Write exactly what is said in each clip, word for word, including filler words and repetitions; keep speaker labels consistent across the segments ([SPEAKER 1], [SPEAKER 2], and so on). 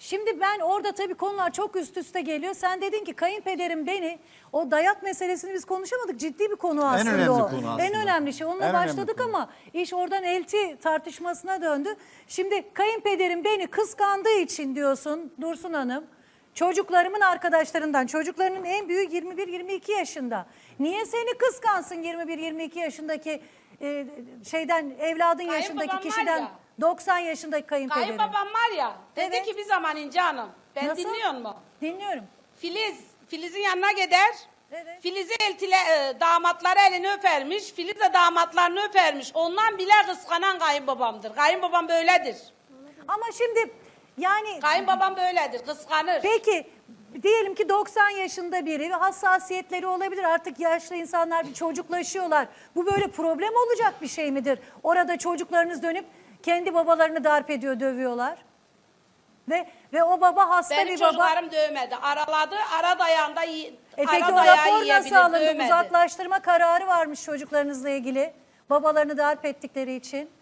[SPEAKER 1] Şimdi ben orada tabii konular çok üst üste geliyor. Sen dedin ki kayınpederim beni, o dayak meselesini biz konuşamadık. Ciddi bir konu aslında
[SPEAKER 2] önemli
[SPEAKER 1] o.
[SPEAKER 2] konu aslında.
[SPEAKER 1] En önemli şey. Onunla
[SPEAKER 2] En önemli
[SPEAKER 1] başladık
[SPEAKER 2] konu.
[SPEAKER 1] ama iş oradan elti tartışmasına döndü. Şimdi kayınpederim beni kıskandığı için diyorsun Dursun Hanım. Çocuklarımın arkadaşlarından, çocuklarının en büyüğü yirmi bir yirmi iki yaşında. Niye seni kıskansın yirmi bir yirmi iki yaşındaki e, şeyden, evladın yaşındaki
[SPEAKER 3] Kayınbabam var
[SPEAKER 1] kişiden
[SPEAKER 3] ya.
[SPEAKER 1] doksan yaşındaki kayınpederim?
[SPEAKER 3] Kayınbabam var ya, dedi
[SPEAKER 1] Evet.
[SPEAKER 3] ki bir zaman İnce Hanım, ben
[SPEAKER 1] Nasıl?
[SPEAKER 3] dinliyor mu?
[SPEAKER 1] Dinliyorum.
[SPEAKER 3] Filiz, Filiz'in yanına gider.
[SPEAKER 1] Evet.
[SPEAKER 3] Filiz'i eltile, e, damatları elini öpermiş. Filiz de damatlarını öpermiş. Ondan bile kıskanan kayınbabamdır. Kayınbabam böyledir.
[SPEAKER 1] Ama şimdi yani
[SPEAKER 3] Kayınbabam böyledir, kıskanır.
[SPEAKER 1] peki diyelim ki doksan yaşında biri ve hassasiyetleri olabilir. Artık yaşlı insanlar bir çocuklaşıyorlar. Bu böyle problem olacak bir şey midir? Orada çocuklarınız dönüp kendi babalarını darp ediyor, dövüyorlar. Ve ve o baba hasta
[SPEAKER 3] Benim
[SPEAKER 1] bir baba.
[SPEAKER 3] çocuklarım dövmedi. Araladı, ara dayağında yi-
[SPEAKER 1] E
[SPEAKER 3] ara
[SPEAKER 1] peki o
[SPEAKER 3] dayağı
[SPEAKER 1] rapor nasıl
[SPEAKER 3] yiyebilir,
[SPEAKER 1] alındı?
[SPEAKER 3] dövmedi.
[SPEAKER 1] Uzaklaştırma kararı varmış çocuklarınızla ilgili. Babalarını darp ettikleri için.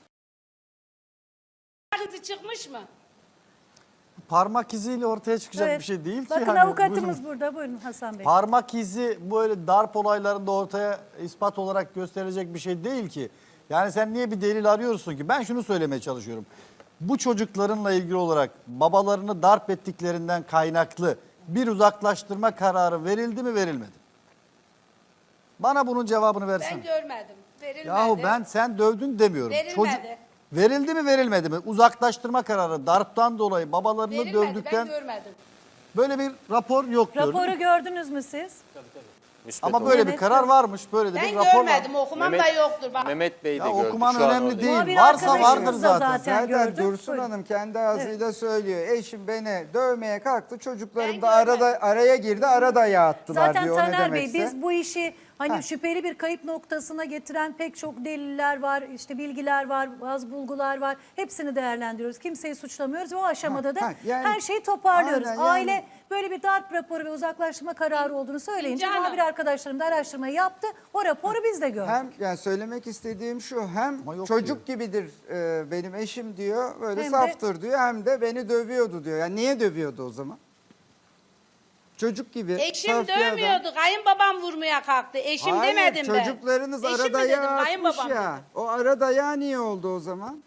[SPEAKER 3] Kızı çıkmış mı?
[SPEAKER 2] Parmak iziyle ortaya çıkacak
[SPEAKER 1] Evet.
[SPEAKER 2] bir şey değil ki.
[SPEAKER 1] Bakın
[SPEAKER 2] yani.
[SPEAKER 1] avukatımız
[SPEAKER 2] Buyurun.
[SPEAKER 1] burada. Buyurun Hasan Bey.
[SPEAKER 2] Parmak izi böyle darp olaylarında ortaya ispat olarak gösterilecek bir şey değil ki. Yani sen niye bir delil arıyorsun ki? Ben şunu söylemeye çalışıyorum. Bu çocuklarınla ilgili olarak babalarını darp ettiklerinden kaynaklı bir uzaklaştırma kararı verildi mi, verilmedi mi? Bana bunun cevabını versene.
[SPEAKER 3] Ben görmedim. Verilmedi.
[SPEAKER 2] Yahu ben sen dövdün demiyorum.
[SPEAKER 3] Verilmedi.
[SPEAKER 2] Verildi mi, verilmedi mi? Uzaklaştırma kararı darptan dolayı babalarını
[SPEAKER 3] Verilmedi,
[SPEAKER 2] dövdükten
[SPEAKER 3] ben görmedim.
[SPEAKER 2] böyle bir rapor yok diyorum.
[SPEAKER 1] Raporu gördünüz mü siz?
[SPEAKER 4] Müspet
[SPEAKER 2] Ama
[SPEAKER 4] olarak.
[SPEAKER 2] böyle bir
[SPEAKER 1] Evet,
[SPEAKER 2] karar
[SPEAKER 1] evet.
[SPEAKER 2] varmış. Böyle de
[SPEAKER 3] Ben
[SPEAKER 2] bir rapor
[SPEAKER 3] görmedim,
[SPEAKER 2] var.
[SPEAKER 3] okumam da
[SPEAKER 4] Mehmet-
[SPEAKER 3] yoktur. Bak.
[SPEAKER 4] Mehmet Bey de
[SPEAKER 2] Ya
[SPEAKER 4] gördü.
[SPEAKER 2] okuman
[SPEAKER 4] şu an
[SPEAKER 2] önemli
[SPEAKER 4] orada.
[SPEAKER 2] değil.
[SPEAKER 1] Muhabir
[SPEAKER 2] Varsa
[SPEAKER 1] arkadaşımız
[SPEAKER 2] vardır
[SPEAKER 1] da
[SPEAKER 2] zaten.
[SPEAKER 1] zaten
[SPEAKER 5] Zaten
[SPEAKER 1] gördük.
[SPEAKER 5] Dursun
[SPEAKER 1] Buyurun.
[SPEAKER 5] Hanım kendi ağzıyla söylüyor. Eşim beni dövmeye kalktı. Çocuklarım
[SPEAKER 3] Ben
[SPEAKER 5] da arada
[SPEAKER 3] görmedim.
[SPEAKER 5] araya girdi. Arada yattılar
[SPEAKER 1] Zaten
[SPEAKER 5] diyor. O ne
[SPEAKER 1] Taner Bey
[SPEAKER 5] demekse.
[SPEAKER 1] biz bu işi hani
[SPEAKER 5] Ha.
[SPEAKER 1] şüpheli bir kayıp noktasına getiren pek çok deliller var, işte bilgiler var, bazı bulgular var. Hepsini değerlendiriyoruz. Kimseyi suçlamıyoruz ve o aşamada da
[SPEAKER 5] Ha, ha, yani-
[SPEAKER 1] her şeyi toparlıyoruz.
[SPEAKER 5] Aynen, yani-
[SPEAKER 1] Aile böyle bir darp raporu ve uzaklaştırma kararı olduğunu söyleyince
[SPEAKER 3] İnce Hanım.
[SPEAKER 1] muhabir arkadaşlarım da araştırmayı yaptı. O raporu biz de gördük.
[SPEAKER 5] Hem yani söylemek istediğim şu, hem
[SPEAKER 2] Ama yok
[SPEAKER 5] çocuk gibidir e, benim eşim diyor, böyle
[SPEAKER 1] Hem de-
[SPEAKER 5] saftır diyor, hem de beni dövüyordu diyor. Yani niye dövüyordu o zaman? Çocuk gibi.
[SPEAKER 3] Eşim
[SPEAKER 5] saf bir adam.
[SPEAKER 3] dövmüyordu. Kayınbabam vurmaya kalktı. Eşim
[SPEAKER 5] Hayır,
[SPEAKER 3] demedim ben.
[SPEAKER 5] çocuklarınız
[SPEAKER 3] Eşim
[SPEAKER 5] ara
[SPEAKER 3] mi
[SPEAKER 5] dayağı
[SPEAKER 3] dedim,
[SPEAKER 5] atmış
[SPEAKER 3] kayınbabam
[SPEAKER 5] ya.
[SPEAKER 3] dedim.
[SPEAKER 5] O ara dayağı niye oldu o zaman?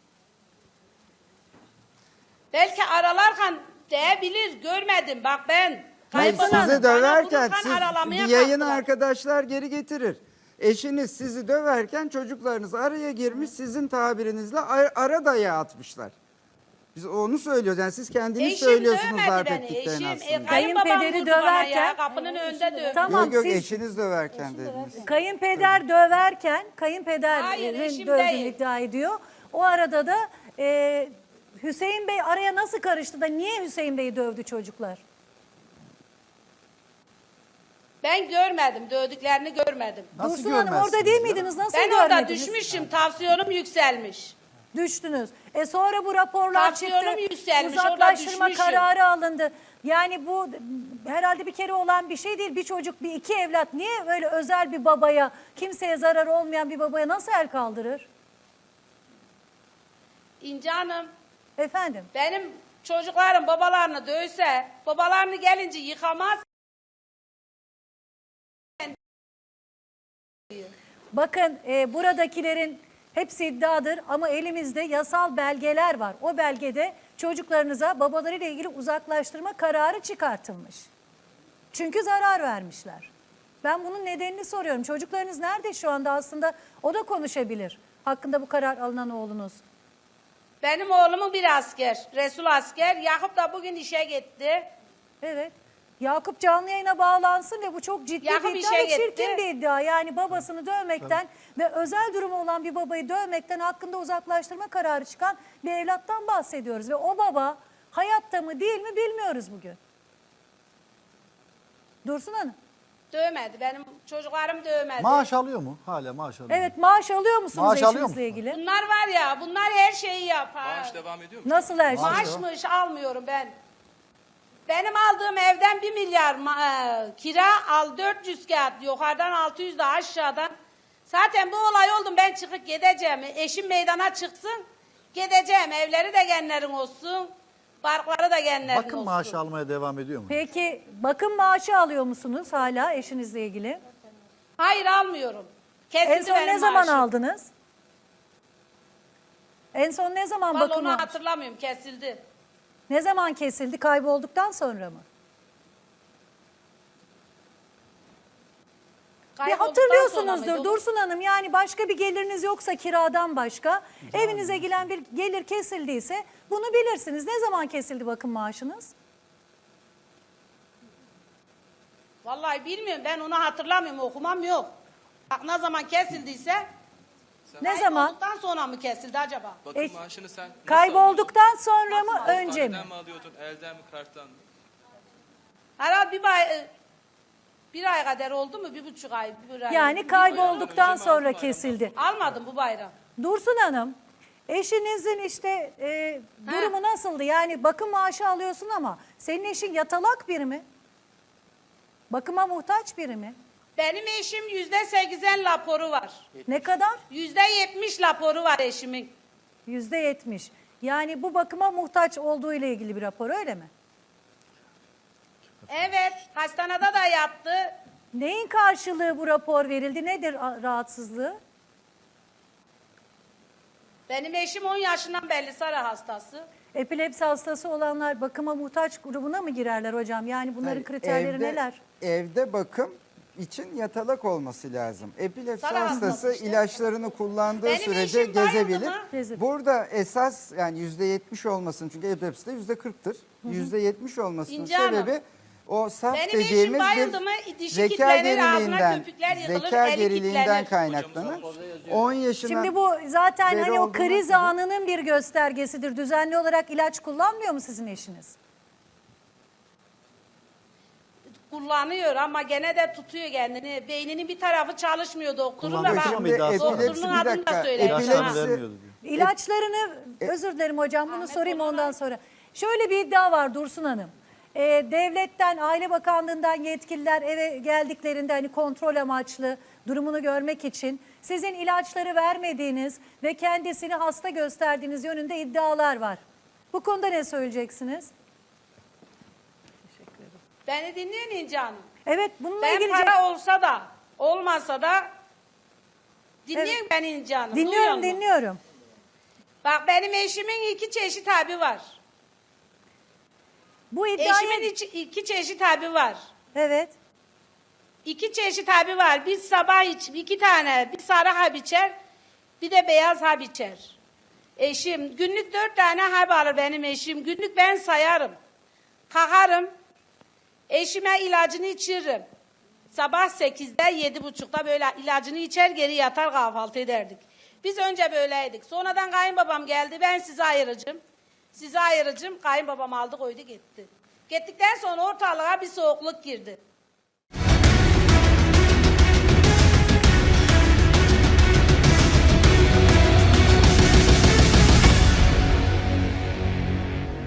[SPEAKER 3] Belki aralarken değebilir. Görmedim. Bak ben.
[SPEAKER 5] Hayır,
[SPEAKER 3] Kayınbabam
[SPEAKER 5] sizi
[SPEAKER 3] bana
[SPEAKER 5] döverken
[SPEAKER 3] vururken
[SPEAKER 5] siz,
[SPEAKER 3] aralamaya
[SPEAKER 5] bir yayın
[SPEAKER 3] kalktılar.
[SPEAKER 5] arkadaşlar geri getirir. Eşiniz sizi döverken çocuklarınız araya girmiş, sizin tabirinizle ar- ara dayağı atmışlar. Biz onu söylüyoruz. Yani siz kendiniz
[SPEAKER 3] Eşim
[SPEAKER 5] söylüyorsunuz
[SPEAKER 3] dövmedi
[SPEAKER 5] darp
[SPEAKER 3] beni.
[SPEAKER 5] ettiklerini
[SPEAKER 3] Eşim,
[SPEAKER 5] aslında.
[SPEAKER 3] e, kayınbabam
[SPEAKER 1] Kayınpederi
[SPEAKER 3] vurdu bana
[SPEAKER 1] döverken-
[SPEAKER 3] ya. Kapının önünde dövdü.
[SPEAKER 1] Tamam,
[SPEAKER 5] yok yok
[SPEAKER 1] siz-
[SPEAKER 5] eşiniz döverken dediniz.
[SPEAKER 1] Kayınpeder döverken, kayınpeder
[SPEAKER 3] Hayır,
[SPEAKER 1] e,
[SPEAKER 3] eşim
[SPEAKER 1] dövdüğünü
[SPEAKER 3] değil.
[SPEAKER 1] iddia ediyor. O arada da e, Hüseyin Bey araya nasıl karıştı da niye Hüseyin Bey'i dövdü çocuklar?
[SPEAKER 3] Ben görmedim. Dövdüklerini görmedim.
[SPEAKER 2] Nasıl
[SPEAKER 1] Dursun Hanım orada
[SPEAKER 2] görmezsiniz
[SPEAKER 1] değil
[SPEAKER 2] ya?
[SPEAKER 1] miydiniz? Nasıl
[SPEAKER 3] Ben orada
[SPEAKER 1] görmediniz?
[SPEAKER 3] düşmüşüm. Tansiyonum yükselmiş.
[SPEAKER 1] Düştünüz. E sonra bu raporlar
[SPEAKER 3] Tansiyonum
[SPEAKER 1] çıktı.
[SPEAKER 3] yükselmiş, orada
[SPEAKER 1] Uzaklaştırma
[SPEAKER 3] düşmüşüm.
[SPEAKER 1] kararı alındı. Yani bu herhalde bir kere olan bir şey değil. Bir çocuk, bir iki evlat niye böyle özel bir babaya, kimseye zarar olmayan bir babaya nasıl el kaldırır?
[SPEAKER 3] İnce Hanım,
[SPEAKER 1] Efendim?
[SPEAKER 3] benim çocuklarım babalarını dövse, babalarını gelince yıkamaz.
[SPEAKER 1] Bakın e, buradakilerin hepsi iddiadır ama elimizde yasal belgeler var. O belgede çocuklarınıza babalarıyla ilgili uzaklaştırma kararı çıkartılmış. Çünkü zarar vermişler. Ben bunun nedenini soruyorum. Çocuklarınız nerede şu anda aslında? O da konuşabilir. Hakkında bu karar alınan oğlunuz.
[SPEAKER 3] Benim oğlumun bir asker, Resul asker. Yakup da bugün işe gitti.
[SPEAKER 1] Evet. Yakup canlı yayına bağlansın ve bu çok ciddi
[SPEAKER 3] Yakup
[SPEAKER 1] bir iddia
[SPEAKER 3] işe
[SPEAKER 1] ve çirkin
[SPEAKER 3] gitti.
[SPEAKER 1] bir iddia. Yani babasını dövmekten ve özel durumu olan bir babayı dövmekten hakkında uzaklaştırma kararı çıkan bir evlattan bahsediyoruz. Ve o baba hayatta mı değil mi bilmiyoruz bugün. Dursun Hanım.
[SPEAKER 3] Dövmedi. Benim çocuklarım dövmedi.
[SPEAKER 2] Maaş alıyor mu? Hala maaş alıyor mu?
[SPEAKER 1] Evet, maaş alıyor musunuz
[SPEAKER 2] Maaş alıyor
[SPEAKER 1] eşinizle
[SPEAKER 2] musun?
[SPEAKER 1] ilgili?
[SPEAKER 3] Bunlar var ya, bunlar her şeyi yapar.
[SPEAKER 4] Maaş devam ediyor mu?
[SPEAKER 1] Nasıl her şey?
[SPEAKER 3] Maaşmış almıyorum ben. Benim aldığım evden bir milyar ma- e, kira, al dört yüz kağıt, yukarıdan altı yüz de aşağıdan. Zaten bu olay oldu, ben çıkıp gideceğim. Eşim meydana çıksın, gideceğim. Evleri de genlerin olsun. Parkları da kendilerinin
[SPEAKER 2] Bakım
[SPEAKER 3] olsun.
[SPEAKER 2] maaşı almaya devam ediyor mu?
[SPEAKER 1] Peki bakım maaşı alıyor musunuz hala eşinizle ilgili?
[SPEAKER 3] Hayır almıyorum. Kesildi
[SPEAKER 1] En son
[SPEAKER 3] benim
[SPEAKER 1] ne zaman
[SPEAKER 3] maaşım.
[SPEAKER 1] aldınız? En son ne zaman
[SPEAKER 3] Vallahi
[SPEAKER 1] bakım
[SPEAKER 3] onu
[SPEAKER 1] maaşı?
[SPEAKER 3] hatırlamıyorum, kesildi.
[SPEAKER 1] Ne zaman kesildi? Kaybolduktan sonra mı? Bir
[SPEAKER 3] Kaybolduktan sonra
[SPEAKER 1] hatırlıyorsunuzdur
[SPEAKER 3] mıydı?
[SPEAKER 1] Dursun Hanım, yani başka bir geliriniz yoksa kiradan başka, evinize gelen bir gelir kesildiyse bunu bilirsiniz. Ne zaman kesildi bakım maaşınız?
[SPEAKER 3] Vallahi bilmiyorum, ben onu hatırlamıyorum, okumam yok. Bak ne zaman kesildiyse.
[SPEAKER 1] Ne zaman?
[SPEAKER 3] Kaybolduktan sonra mı kesildi acaba?
[SPEAKER 4] Bakım
[SPEAKER 1] E,
[SPEAKER 4] maaşını sen nasıl
[SPEAKER 1] Kaybolduktan sonra mı
[SPEAKER 3] Nasıl
[SPEAKER 1] önce mi?
[SPEAKER 4] alıyordun? Haneden mi alıyordun, elden mi, karttan mı?
[SPEAKER 3] Herhalde bir ay, bir ay kadar oldu mu? Bir buçuk ay. Bir ay.
[SPEAKER 1] Yani kaybolduktan
[SPEAKER 4] Önce mi
[SPEAKER 1] sonra
[SPEAKER 4] aldın,
[SPEAKER 1] kesildi.
[SPEAKER 3] Almadım bu bayram.
[SPEAKER 1] Dursun Hanım, eşinizin işte e, durumu nasıldı? Yani bakım maaşı alıyorsun ama senin eşin yatalak biri mi? Bakıma muhtaç biri mi?
[SPEAKER 3] Benim eşim yüzde seksen raporu var.
[SPEAKER 1] Ne kadar?
[SPEAKER 3] Yüzde yetmiş raporu var eşimin.
[SPEAKER 1] Yüzde yetmiş. Yani bu bakıma muhtaç olduğu ile ilgili bir rapor, öyle mi?
[SPEAKER 3] Evet, hastanede da yattı.
[SPEAKER 1] Neyin karşılığı bu rapor verildi? Nedir a- rahatsızlığı?
[SPEAKER 3] Benim eşim on yaşından belli sarı hastası.
[SPEAKER 1] Epilepsi hastası olanlar bakıma muhtaç grubuna mı girerler hocam? Yani bunların
[SPEAKER 5] Hayır,
[SPEAKER 1] kriterleri
[SPEAKER 5] evde-
[SPEAKER 1] neler?
[SPEAKER 5] Evde bakım için yatalak olması lazım. Epilepsi
[SPEAKER 3] Sana
[SPEAKER 5] hastası
[SPEAKER 3] hastası işte.
[SPEAKER 5] ilaçlarını kullandığı
[SPEAKER 3] Benim
[SPEAKER 5] sürece
[SPEAKER 3] eşim bayıldı
[SPEAKER 5] gezebilir.
[SPEAKER 3] mı?
[SPEAKER 1] Gezebilir.
[SPEAKER 5] Burada esas yani yüzde yetmiş olmasın, çünkü epilepsi de yüzde kırktır. Yüzde yetmiş olmasının
[SPEAKER 3] İnce Hanım.
[SPEAKER 5] sebebi o saf
[SPEAKER 3] Benim eşim
[SPEAKER 5] dediğimiz
[SPEAKER 3] bayıldı
[SPEAKER 5] bir
[SPEAKER 3] mı, dişi
[SPEAKER 5] zeka
[SPEAKER 3] kilitlenir, ağzına
[SPEAKER 5] geriliğinden,
[SPEAKER 3] köpükler yığılır,
[SPEAKER 5] zeka
[SPEAKER 3] eli
[SPEAKER 5] geriliğinden
[SPEAKER 3] kilitlenir.
[SPEAKER 5] kaynaklanır. on yaşına
[SPEAKER 1] Şimdi bu zaten
[SPEAKER 5] beri
[SPEAKER 1] hani o
[SPEAKER 5] olduğundan
[SPEAKER 1] kriz
[SPEAKER 5] sonra-
[SPEAKER 1] anının bir göstergesidir. Düzenli olarak ilaç kullanmıyor mu sizin eşiniz?
[SPEAKER 3] Kullanıyor ama gene de tutuyor kendini. Beyninin bir tarafı çalışmıyor doktorun da
[SPEAKER 2] Kullanıyor
[SPEAKER 3] bak.
[SPEAKER 2] ama bir daha sonra.
[SPEAKER 5] epilepsi
[SPEAKER 3] Doktorun
[SPEAKER 5] bir
[SPEAKER 3] adını da
[SPEAKER 5] dakika.
[SPEAKER 3] söyledim.
[SPEAKER 2] İlaçlarını
[SPEAKER 5] Epilepsi-
[SPEAKER 2] vermiyordu diyor.
[SPEAKER 1] İlaçlarını, özür dilerim hocam, bunu sorayım ondan sonra. Şöyle bir iddia var Dursun Hanım. Ee, devletten, Aile Bakanlığı'ndan yetkililer eve geldiklerinde hani kontrol amaçlı durumunu görmek için sizin ilaçları vermediğiniz ve kendisini hasta gösterdiğiniz yönünde iddialar var. Bu konuda ne söyleyeceksiniz?
[SPEAKER 3] Beni dinliyor İnce Hanım.
[SPEAKER 1] Evet, bununla
[SPEAKER 3] Ben
[SPEAKER 1] ilgili...
[SPEAKER 3] para olsa da olmasa da dinliyorum ben İnce Hanım. duyuyor
[SPEAKER 1] Dinliyorum,
[SPEAKER 3] musun?
[SPEAKER 1] dinliyorum.
[SPEAKER 3] Bak benim eşimin iki çeşit abi var.
[SPEAKER 1] Bu iddiayı...
[SPEAKER 3] Eşimin iki, iki çeşit abi var.
[SPEAKER 1] Evet.
[SPEAKER 3] İki çeşit abi var. Bir sabah iç, iki tane. Bir sarı hap içer, bir de beyaz hap içer. Eşim günlük dört tane hap alır benim eşim. Günlük ben sayarım. Kalkarım. Eşime ilacını içiririm. Sabah sekizde, yedi buçukta böyle ilacını içer, geri yatar kahvaltı ederdik. Biz önce böyleydik. Sonradan kayınbabam geldi. Ben sizi ayıracağım. Sizi ayıracağım. Kayınbabam aldı koydu gitti. Gittikten sonra ortalığa bir soğukluk girdi.